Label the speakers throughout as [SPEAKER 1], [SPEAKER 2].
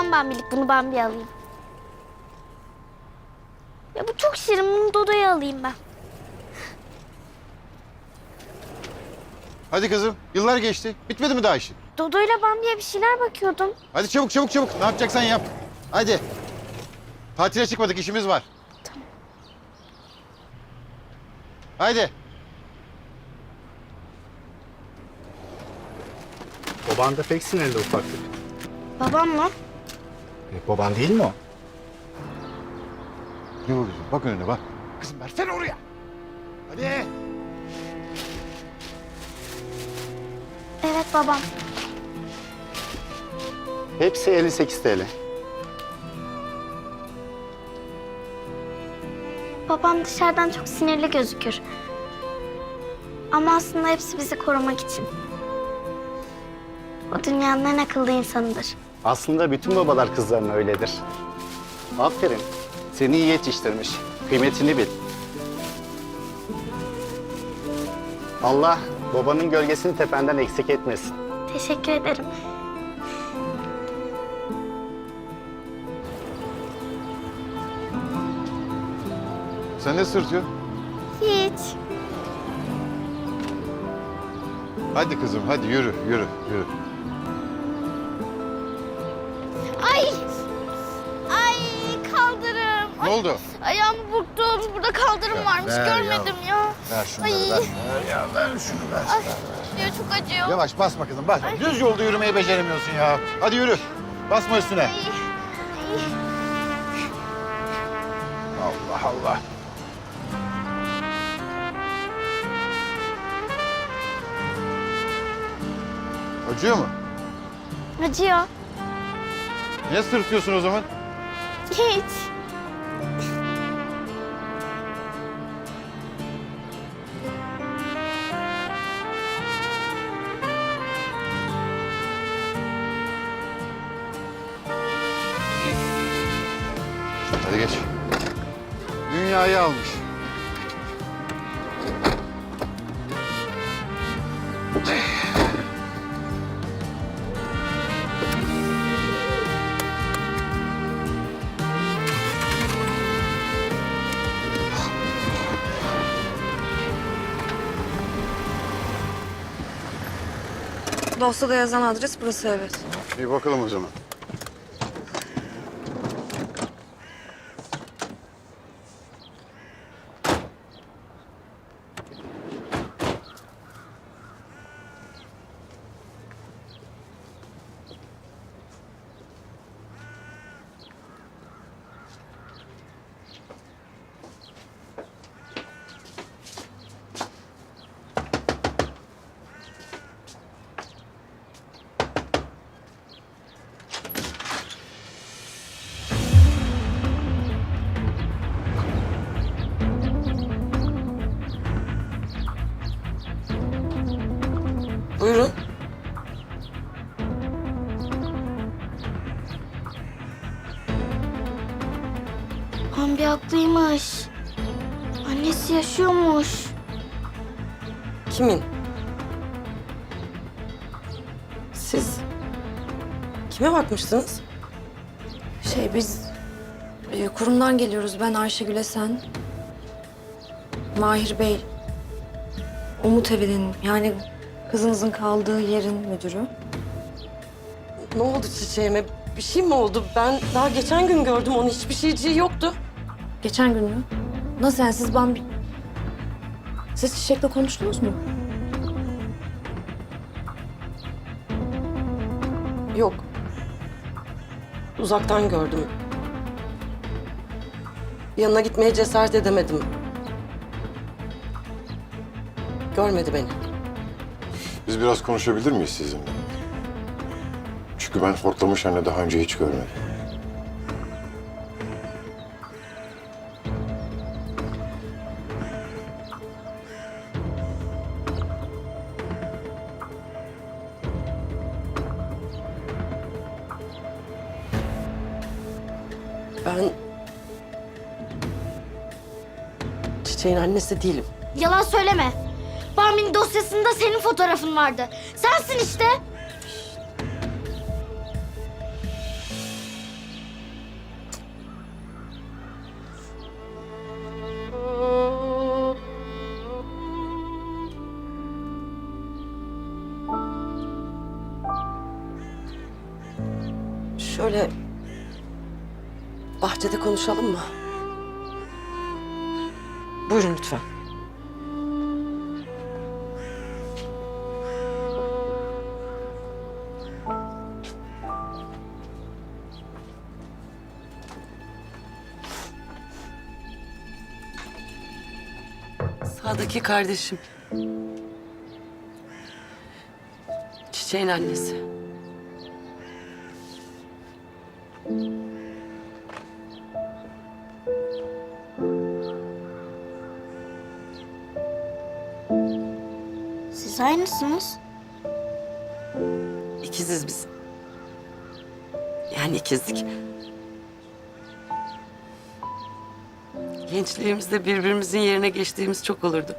[SPEAKER 1] Tam Bambi'lik. Bunu Bambi'ye alayım. Ya bu çok şirin. Bunu Dodo'ya alayım ben.
[SPEAKER 2] Hadi kızım. Yıllar geçti. Bitmedi mi daha işin?
[SPEAKER 1] Dodo'yla Bambi'ye bir şeyler bakıyordum.
[SPEAKER 2] Hadi çabuk çabuk çabuk. Ne yapacaksan yap. Hadi. Tatile çıkmadık, işimiz var.
[SPEAKER 1] Tamam.
[SPEAKER 2] Haydi.
[SPEAKER 3] Baban da pek sinirli ufaklık.
[SPEAKER 1] Babam mı?
[SPEAKER 3] Baban değil mi o?
[SPEAKER 2] Ne oluyor? Bak önüne bak. Kızım versene oraya. Hadi.
[SPEAKER 1] Evet babam.
[SPEAKER 3] Hepsi 58 TL.
[SPEAKER 1] Babam dışarıdan çok sinirli gözükür. Ama aslında hepsi bizi korumak için. O dünyanın en akıllı insanıdır.
[SPEAKER 3] Aslında bütün babalar kızlarına öyledir. Aferin. Seni iyi yetiştirmiş. Kıymetini bil. Allah babanın gölgesini tependen eksik etmesin.
[SPEAKER 1] Teşekkür ederim.
[SPEAKER 2] Sen ne sırtıyorsun?
[SPEAKER 1] Hiç.
[SPEAKER 2] Hadi kızım hadi yürü yürü yürü.
[SPEAKER 1] Ay! Ay kaldırım.
[SPEAKER 2] Ne oldu?
[SPEAKER 1] Ayağımı burktum. Burada kaldırım varmış.
[SPEAKER 2] ver
[SPEAKER 1] Görmedim ya.
[SPEAKER 2] Ver şunları
[SPEAKER 1] Ay.
[SPEAKER 2] ver. Ver ya ver şunu ver.
[SPEAKER 1] Ay, ya çok acıyor.
[SPEAKER 2] Yavaş basma kızım basma. Düz yolda yürümeyi beceremiyorsun ya. Hadi yürü. Basma üstüne.
[SPEAKER 1] Ay, ay.
[SPEAKER 2] Allah Allah. Acıyor mu?
[SPEAKER 1] Acıyor.
[SPEAKER 2] Niye sırtıyorsun o zaman?
[SPEAKER 1] Hiç.
[SPEAKER 2] Hadi geç. Dünyayı almış.
[SPEAKER 4] Dosyada yazan adres burası, evet.
[SPEAKER 2] Bir bakalım o zaman.
[SPEAKER 4] Buyurun.
[SPEAKER 1] Bambi haklıymış. Annesi yaşıyormuş.
[SPEAKER 4] Kimin? Siz kime bakmıştınız?
[SPEAKER 5] Biz kurumdan geliyoruz. Ben Ayşegül Esen. Mahir Bey, Umut Evi'nin yani kızınızın kaldığı yerin müdürü.
[SPEAKER 4] Ne oldu çiçeğime? Bir şey mi oldu? Ben daha geçen gün gördüm onu. Hiçbir şeyciği yoktu.
[SPEAKER 5] Geçen gün mü? Nasıl yani siz Bambi... Siz Çiçek'le konuştunuz mu?
[SPEAKER 4] Yok. Uzaktan gördüm. Yanına gitmeye cesaret edemedim. Görmedi beni.
[SPEAKER 6] Biz biraz konuşabilir miyiz sizinle? Çünkü ben hortlamış anne daha önce hiç görmedim.
[SPEAKER 4] Ben Çiçeğin annesi değilim.
[SPEAKER 1] Yalan söyleme. Bambi'nin dosyasında senin fotoğrafın vardı. Sensin işte.
[SPEAKER 4] Şöyle bahçede konuşalım mı? Buyurun lütfen. Sağdaki kardeşim. Çiçeğin annesi.
[SPEAKER 1] Siz aynısınız.
[SPEAKER 4] İkiziz biz. Yani ikizlik. Gençliğimizde birbirimizin yerine geçtiğimiz çok olurdu.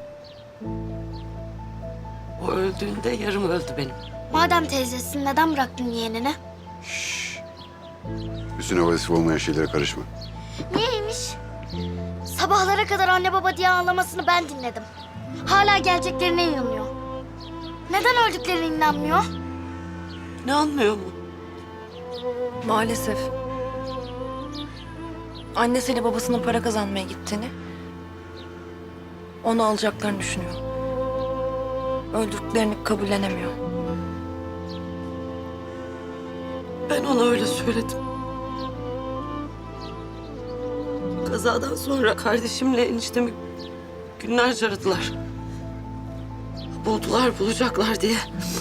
[SPEAKER 4] O öldüğünde yarım öldü benim.
[SPEAKER 1] Madem teyzesin neden bıraktın yeğenini?
[SPEAKER 2] Üstüne vazife olmayan şeylere karışma.
[SPEAKER 1] Niyeymiş? Sabahlara kadar anne baba diye ağlamasını ben dinledim. Hala geleceklerine inanıyor. Neden öldüklerine inanmıyor?
[SPEAKER 4] Ne anlıyor mu?
[SPEAKER 5] Maalesef. Annesiyle babasının para kazanmaya gittiğini, onu alacaklarını düşünüyor. Öldüklerini kabullenemiyor.
[SPEAKER 4] Ben ona öyle söyledim. Kazadan sonra kardeşimle eniştemi günlerce aradılar. Bulacaklar diye.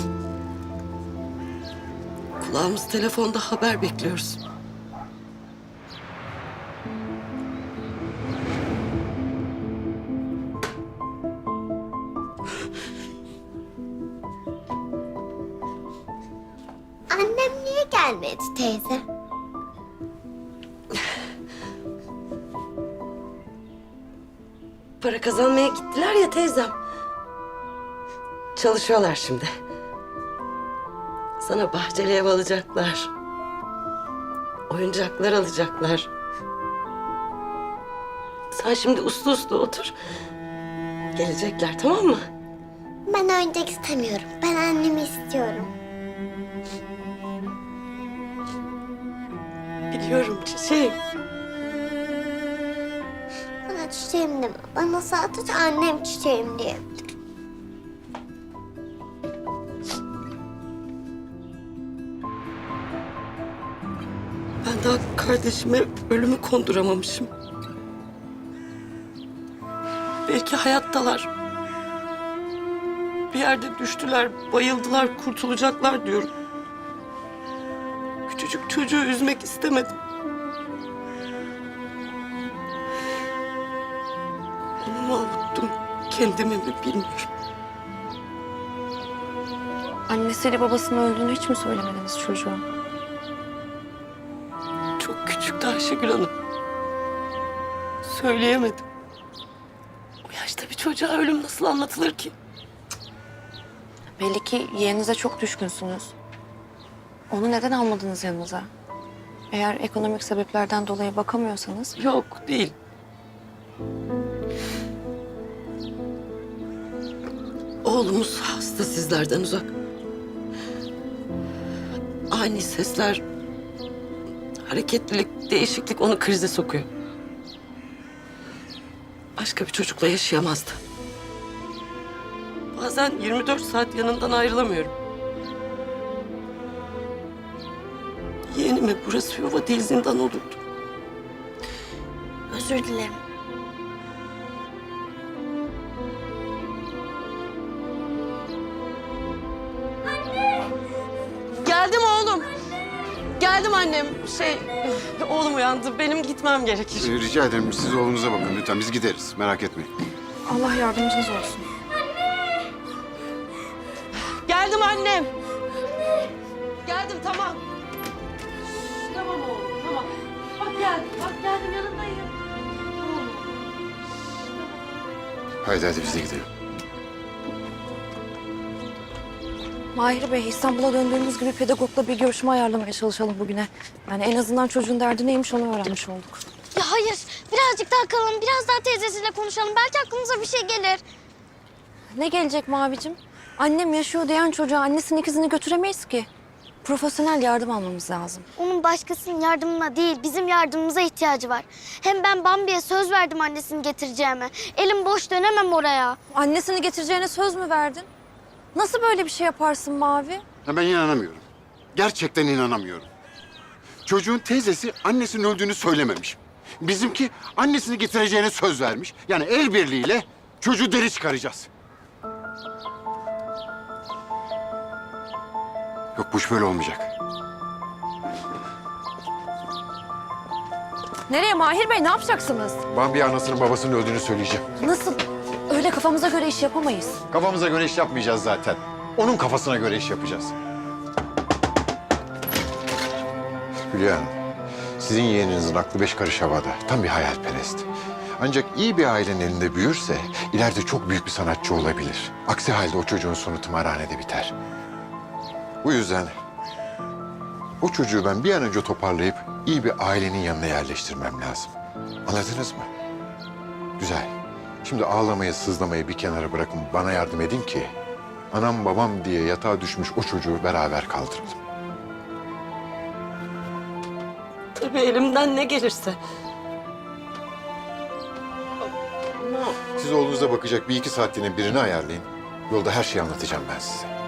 [SPEAKER 4] Kulağımız telefonda haber bekliyoruz.
[SPEAKER 1] Annem niye gelmedi teyze?
[SPEAKER 4] Para kazanmaya gittiler ya teyzem. Çalışıyorlar şimdi. Sana bahçeli ev alacaklar. Oyuncaklar alacaklar. Sen şimdi uslu uslu otur. Gelecekler, tamam mı?
[SPEAKER 1] Ben oyuncak istemiyorum. Ben annemi istiyorum.
[SPEAKER 4] Biliyorum çiçeğim.
[SPEAKER 1] Bana çiçeğim deme. Bana sadece annem çiçeğim diye.
[SPEAKER 4] Ben daha kardeşime ölümü konduramamışım. Belki hayattalar. Bir yerde düştüler, bayıldılar, kurtulacaklar diyorum. Küçücük çocuğu üzmek istemedim. Onu mu avuttum, kendimi mi bilmiyorum.
[SPEAKER 5] Annesiyle babasının öldüğünü hiç mi söylemediniz çocuğa?
[SPEAKER 4] Çok küçüktü Ayşegül Hanım. Söyleyemedim. O yaşta bir çocuğa ölüm nasıl anlatılır ki?
[SPEAKER 5] Belli ki yeğeninize çok düşkünsünüz. Onu neden almadınız yanınıza? Eğer ekonomik sebeplerden dolayı bakamıyorsanız...
[SPEAKER 4] Yok, değil. Oğlumuz hasta sizlerden uzak. Ani sesler, hareketlilik, değişiklik onu krize sokuyor. Başka bir çocukla yaşayamazdı. Bazen 24 saat yanından ayrılamıyorum. Yeğenime burası yuva değil zindan olurdu.
[SPEAKER 1] Özür dilerim.
[SPEAKER 4] Geldim oğlum. Geldim annem. Oğlum uyandı. Benim gitmem gerekir.
[SPEAKER 2] Rica ederim siz oğlunuza bakın lütfen. Biz gideriz. Merak etmeyin.
[SPEAKER 5] Allah yardımcınız olsun.
[SPEAKER 4] Geldim annem. Geldim tamam. Tamam oğlum tamam. Bak geldim yanındayım. Tamam.
[SPEAKER 2] Haydi biz de gidelim.
[SPEAKER 5] Mahir Bey, İstanbul'a döndüğümüz gibi pedagogla bir görüşme ayarlamaya çalışalım bugüne. Yani en azından çocuğun derdi neymiş onu öğrenmiş olduk.
[SPEAKER 1] Ya hayır. Birazcık daha kalalım. Biraz daha teyzesiyle konuşalım. Belki aklımıza bir şey gelir.
[SPEAKER 5] Ne gelecek Mavicim? Annem yaşıyor diyen çocuğa annesinin ikizini götüremeyiz ki. Profesyonel yardım almamız lazım.
[SPEAKER 1] Onun başkasının yardımına değil, bizim yardımımıza ihtiyacı var. Hem ben Bambi'ye söz verdim annesini getireceğime. Elim boş dönemem oraya.
[SPEAKER 5] Annesini getireceğine söz mü verdin? Nasıl böyle bir şey yaparsın Mavi?
[SPEAKER 2] Ya ben inanamıyorum. Gerçekten inanamıyorum. Çocuğun teyzesi annesinin öldüğünü söylememiş. Bizimki annesini getireceğine söz vermiş. Yani el birliğiyle çocuğu deri çıkaracağız. Yok bu iş böyle olmayacak.
[SPEAKER 5] Nereye Mahir Bey? Ne yapacaksınız?
[SPEAKER 6] Bambi'ye anasının babasının öldüğünü söyleyeceğim.
[SPEAKER 5] Nasıl? Öyle kafamıza göre iş yapamayız.
[SPEAKER 2] Kafamıza göre iş yapmayacağız zaten. Onun kafasına göre iş yapacağız.
[SPEAKER 6] Hülya Hanım, sizin yeğeninizin aklı 5 karış havada. Tam bir hayalperest. Ancak iyi bir ailenin elinde büyürse ileride çok büyük bir sanatçı olabilir. Aksi halde o çocuğun sonu tımarhanede biter. Bu yüzden o çocuğu ben bir an önce toparlayıp iyi bir ailenin yanına yerleştirmem lazım. Anladınız mı? Güzel. Şimdi ağlamayı, sızlamayı bir kenara bırakın, bana yardım edin ki anam babam diye yatağa düşmüş o çocuğu beraber kaldıralım.
[SPEAKER 4] Tabii elimden ne gelirse. Ama
[SPEAKER 6] Siz oğlunuza bakacak bir iki saatliğine birini ayarlayın. Yolda her şeyi anlatacağım ben size.